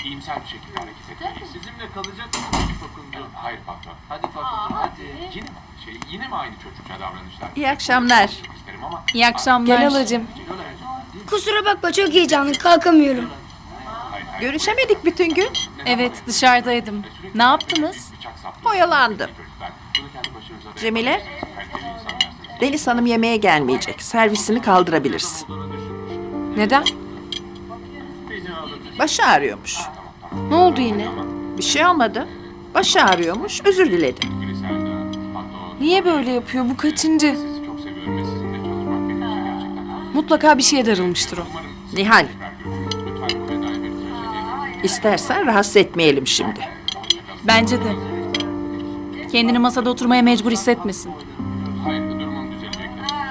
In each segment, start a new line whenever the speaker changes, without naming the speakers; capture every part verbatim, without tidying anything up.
iyimser bir şekilde hareket etmeliyiz. Sizinle kalacak mısınız Fakuncu? Hayır patron. Hadi Fakuncu hadi. Yine mi aynı şey? Yine mi aynı çocukça davranışlar?
İyi akşamlar.
İyi akşamlar.
Gel halacığım.
Kusura bakma çok heyecanlı kalkamıyorum.
Görüşemedik bütün gün.
Evet, dışarıdaydım. Ne yaptınız?
Oyalandım. Cemile, Deniz Hanım yemeğe gelmeyecek. Servisini kaldırabilirsin.
Neden?
Başı ağrıyormuş.
Ne oldu yine?
Bir şey olmadı. Başı ağrıyormuş, özür diledi.
Niye böyle yapıyor? Bu kaçıncı? Mutlaka bir şeye darılmıştır o.
Nihal, istersen rahatsız etmeyelim şimdi.
Bence de. Kendini masada oturmaya mecbur hissetmesin.
Hayır, durumum düzelecektir.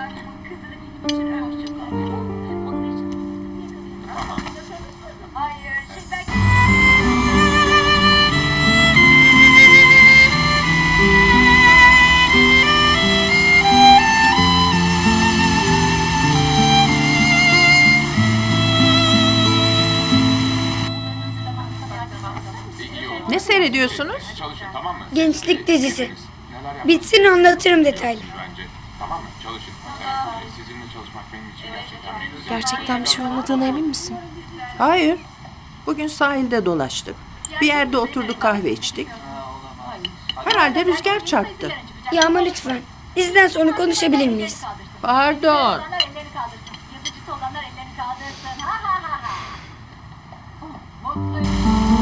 Ne seyrediyorsunuz?
Çalışın tamam mı?
Gençlik dizisi. Bitsin anlatırım detaylı.
Bence. Tamam mı? Çalışın. Evet, sizinle çalışmak benim için gerçekten bir güzel.
Gerçekten bir şey olmadığına emin misin?
Hayır. Bugün sahilde dolaştık. Bir yerde oturduk, kahve içtik. Herhalde rüzgar çarptı.
Ya ama lütfen. Diziden sonra konuşabilir miyiz?
Pardon.
Olanlar ellerini kaldırsın. Yazıcısı olanlar ellerini kaldırsın. Ha ha ha ha. Mutluyum.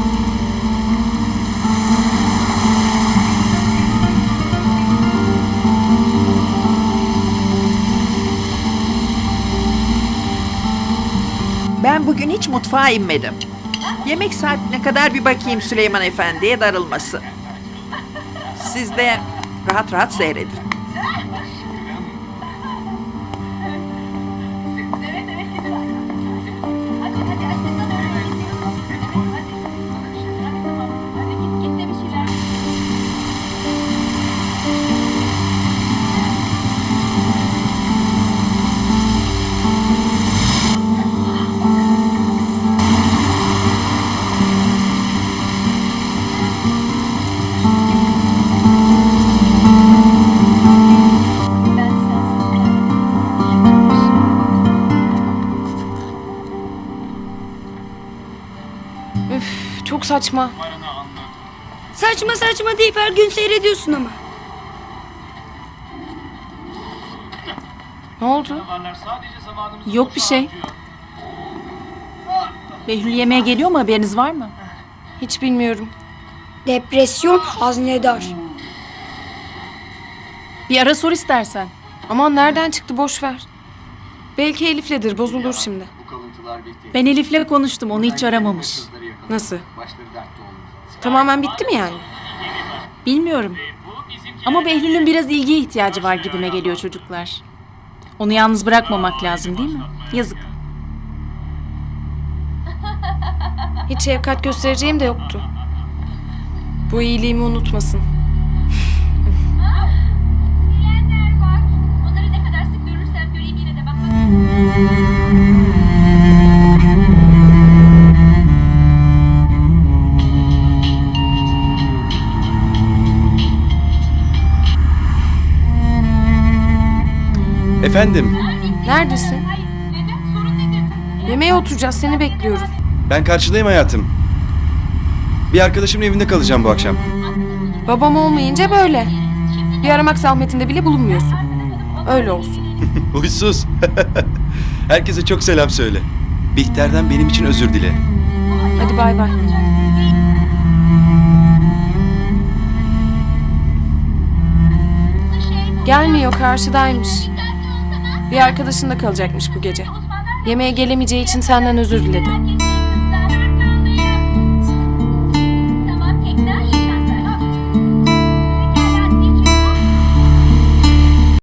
Ben bugün hiç mutfağa inmedim. Yemek saatine kadar bir bakayım Süleyman Efendi'ye darılmasın. Siz de rahat rahat seyredin.
Evet evet şimdi bak. Hadi hadi hadi sana öğreteyim. Hadi. Hadi tamam. Hadi git git de bir şeyler.
Üf, çok saçma.
Saçma saçma deyip her gün seyrediyorsun ama.
Ne oldu?
Yok bir şey. Behlül yemeğe geliyor mu, haberiniz var mı?
Hiç bilmiyorum.
Depresyon haznedar.
Bir ara sor istersen.
Aman nereden çıktı, boş ver. Belki Elif'ledir, bozulur şimdi.
Ben Elif'le konuştum, onu hiç aramamış.
Nasıl? Tamamen bitti mi yani?
Bilmiyorum. Ama Behlül'ün biraz ilgiye ihtiyacı var gibime geliyor çocuklar. Onu yalnız bırakmamak lazım değil mi? Yazık.
Hiç şefkat göstereceğim de yoktu. Bu iyiliğimi unutmasın.
Diyenler var. Onları ne kadar sık görürsem göreyim yine de bakmak.
Efendim,
Neredesin?
Hayır. Neden? Sorun nedir?
Yemeğe oturacağız, seni bekliyoruz.
ben karşıdayım hayatım. Bir arkadaşımın evinde kalacağım bu akşam.
Babam olmayınca böyle. Bir aramak zahmetinde bile bulunmuyorsun. Öyle olsun.
Huysuz. Herkese çok selam söyle. Bihter'den benim için özür dile.
Hadi bay bay. Gelmiyor, karşıdaymış. Bir arkadaşında kalacakmış bu gece. Yemeğe gelemeyeceği için senden özür diledi.